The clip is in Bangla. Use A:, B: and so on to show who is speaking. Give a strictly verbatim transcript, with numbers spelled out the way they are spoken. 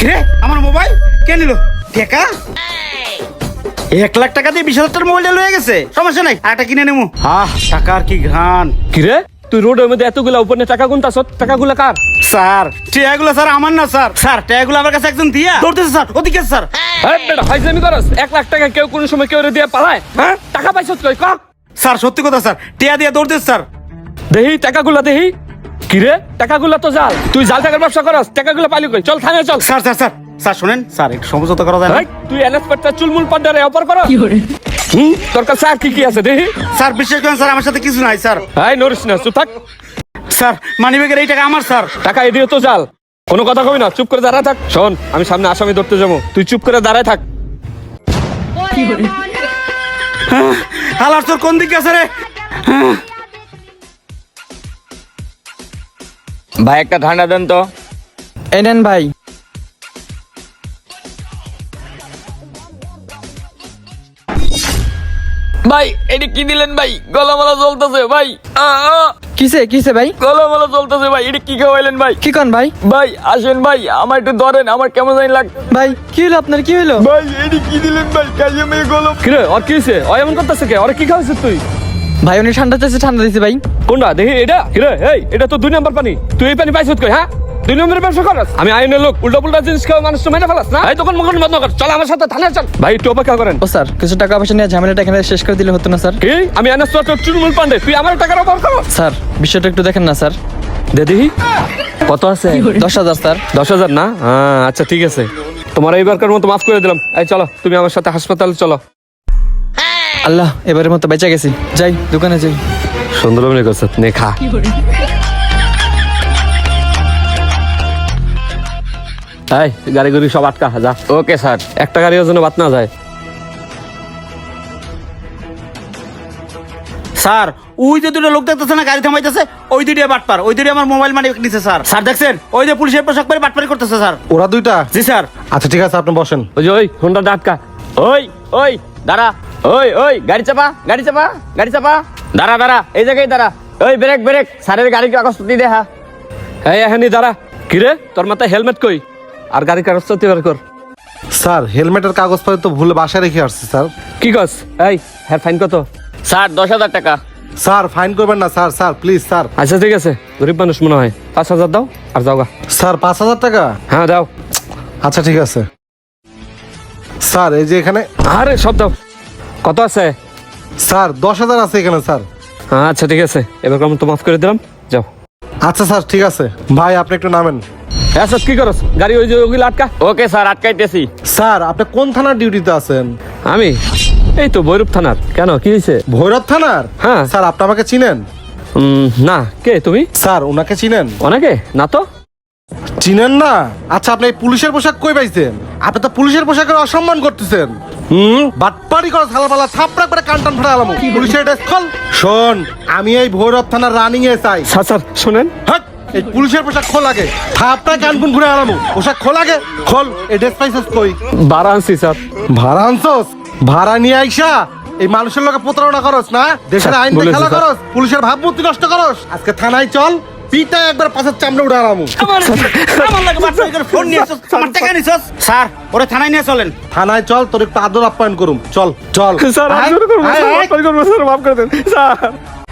A: কিরে আমার মোবাইল কে নিল? টাকা এক লাখ টাকা দিয়ে বিশ হাজার টাকার মোবাইলটা লয়ে গেছে। সমস্যা নাই, আরেকটা কিনে নেবো। আহ টাকার কি ঘ্রাণ।
B: কিরে তুই রোডের মধ্যে এতগুলা উপরে টাকা গুনতাছ, টাকাগুলা কার?
A: স্যার টাকাগুলো স্যার আমার না স্যার। স্যার টাকাগুলো আমার কাছে একজন দিয়া দৌড়তেছে স্যার, ওদিকে স্যার।
B: এই বেটা ফাইজলামি করস? এক লাখ টাকা কেউ কোন সময় কেউ দিয়ে পালায়? হ্যাঁ টাকা পাইছস কই ক?
A: স্যার সত্যি কথা স্যার, টাকা দিয়া দৌড়তেছে স্যার।
B: দেহি টাকাগুলা দেহি। কিরে টাকাগুলা তো জাল, তুই জাল টাকার ব্যবসা করস, টাকাগুলা পাইলি কই? চল থানায় চল।
A: স্যার স্যার স্যার স্যার শুনেন স্যার, একটু সমঝোতা করা যায় না?
B: এই, তুই এনএস পাটটা চুলমুল পাড্ডারে অপার কর। হুম তোর কাছে আর কি কি আছে দেহি?
A: স্যার বিশ্বাস করেন স্যার, আমার সাথে কিছু নাই স্যার।
B: এই নরিস না, চুপ থাক।
A: স্যার মানিব্যাগের এই টাকা আমার স্যার।
B: টাকা এদিকে তো জাল, কোনো কথা কবি না, চুপ করে দাঁড়ায় থাক। শোন আমি সামনে আসামি ধরতে যাবো, তুই চুপ করে দাঁড়ায় থাক।
A: হালার তোর কোন দিকে আছে রে?
C: ভাই একটা ঠান্ডা দেন তো।
D: এই নেন ভাই।
C: ভাই এটি কি দিলেন ভাই? গলামালা জ্বলতেছে ভাই। আ, আ,
D: কিসে কিসে ভাই?
C: গলামালা জ্বলতেছে ভাই, এটি কি খাওয়াইলেন ভাই?
D: কি কন ভাই?
C: ভাই আসেন ভাই, আমার একটু ধরেন, আমার কেমন জানি লাগ।
D: ভাই কি হলো আপনার, কি হলো?
C: ভাই এটি কি দিলেন ভাই? কাজে মেয়ে গলম।
B: কিরে ওর কি হয়েছে? ও এমন করতেছে কে? ওরে কি খাওয়াইছিস তুই?
D: ভাই উনি ঠান্ডা চাইছে, ঠান্ডা দিছে ভাই।
B: কোনটা দেখি এটা? কিরে এই এটা তো দুই নাম্বার পানি, তুই এই পানি পাইছিস কই? হ্যাঁ দুই নম্বরের ব্যবসা করস? আমি আইনের লোক, উল্টা পুল্টা জিনিস খাওয়া মানুষ তো মেনে ফেলাস না? এই দোকান মোকান বন্ধ কর, চল আমার সাথে থানায় চল। ভাই একটু অপেক্ষা করেন।
D: ও স্যার কিছু টাকা পয়সা নিয়ে ঝামেলাটা এখানে শেষ করে দিলে হতো না স্যার?
B: কি আমি আনাস তো চুরমুল পান্ডে, তুই আমার টাকার অভাব করো?
D: স্যার বিষয়টা একটু দেখেন না স্যার।
B: দে দেখি কত আছে?
D: দশ হাজার স্যার।
B: দশ হাজার না? হ্যাঁ আচ্ছা ঠিক আছে, তোমার এইবারকার মতো মাফ করে দিলাম। এই চলো তুমি আমার সাথে হাসপাতালে চলো।
D: আল্লাহ এবারের মতো বেঁচে গেছি, যাই দোকানে যাই।
B: সুন্দর মনে করছে, নে খা। এই গাড়ি গুড়ি সব আটকা যা।
C: Okay sir.
B: একটা গাড়ির জন্য বাদ না যায়।
A: স্যার ওই যে দুটো লোক দেখতেছে না গাড়ি থামাইতেছে, ওই দুইটা বাটপার, ওই দুইটা আমার মোবাইল মানি নিছে স্যার। স্যার দেখছেন ওই যে পুলিশের পোশাক পরে বাটপারি করতেছে স্যার।
E: ওরা দুইটা?
A: জি স্যার।
E: আচ্ছা ঠিক আছে, আপনি বসেন।
B: ওই যে ওই হোন্ডা আটকা।
C: ওই ওই দাঁড়া, ওই ওই গাড়ি চাপা, গাড়ি চাপা, গাড়ি চাপা, দাঁড়া দাঁড়া, এই জায়গায় দাঁড়া। ওই ব্রেক ব্রেক, স্যারের গাড়ির কাগজপত্র দেখা।
B: এই এখানে দাঁড়া। কিরে তোর মাথায় হেলমেট কই? আর গাড়ি কাগজপত্র বের কর।
E: স্যার হেলমেটের কাগজপত্র তো ভুলে বাসায় রেখে আসছি স্যার।
B: কি কস? এই হ্যাঁ ফাইন কত?
C: স্যার দশ হাজার টাকা।
E: স্যার ফাইন করবেন না স্যার, স্যার প্লিজ স্যার।
B: আচ্ছা ঠিক আছে, গরিব মানুষ মনে হয়, পাঁচ হাজার দাও আর যাও গা।
E: স্যার পাঁচ হাজার টাকা?
B: হ্যাঁ দাও।
E: আচ্ছা ঠিক আছে স্যার। এই যে এখানে।
B: আরে সব দাও। কত আছে?
E: স্যার দশ হাজার আছে এখানে স্যার।
B: আচ্ছা ঠিক আছে, এবার কেমন তো মাফ করে দিলাম, যাও।
E: আচ্ছা স্যার ঠিক আছে। ভাই আপনি একটু নামেন।
B: আচ্ছা কি করস? গাড়ি ওই যে ওগুলো আটকা।
C: Okay sir, আটকাইতেছি।
E: স্যার আপনি কোন থানার ডিউটিতে আছেন?
B: আমি এই তো ভৈরব থানার। কেন কি হয়েছে?
E: ভৈরব থানার?
B: হ্যাঁ।
E: স্যার আপনি আমাকে চিনেন?
B: উম, না, কে তুমি?
E: স্যার ওনাকে চিনেন?
B: অনেকে না তো।
E: চিনেন না? আচ্ছা আপনি এই পুলিশের পোশাক কই পাইছেন? আপনি তো পুলিশের পোশাকের অসম্মান করতেছেন। হুম বাটপাড়ি করে থালাপালা থাপড়া করে কানটান ফাটা আলাম পুলিশের ড্রেস খোল। শোন আমি এই ভৈরব থানার রানিং এ চাই।
B: স্যার স্যার শোনেন।
E: হাট, এই পুলিশের পোশাক খোল আগে, থাপড়া কানকুন ঘুরে আলামু। পোশাক খোল আগে, খোল। এই ড্রেস পাইছস কই?
B: ভাড়া আনছি স্যার।
E: ভাড়া আনছস? ভাড়া নিয়ে আইসা এই মানুষের লোকে প্রতারণা করস না, দেশের আইন
B: বলেছি,
E: খেলা
B: স্যার।
E: করস, পুলিশের ভাবমূর্তি নষ্ট করস। আজকে থানায় চল, পিটা একবার পাশের চামড়া উঠে আলামু।
A: আমার আমার লাগে বাটপারি করে ফোন নিয়ে আসছ, আমার টাকা নিছস। স্যার ওরে থানায় নিয়ে চলেন।
E: থানায় চল, তোর একটু আদর আপ্যায়ন করুম। চল চল।
B: স্যার
E: আয়,
B: আমি করবো
E: আয়,
B: স্যার,
E: আয়।
B: মাফ করে দেন স্যার, মাফ করে দেন স্যার।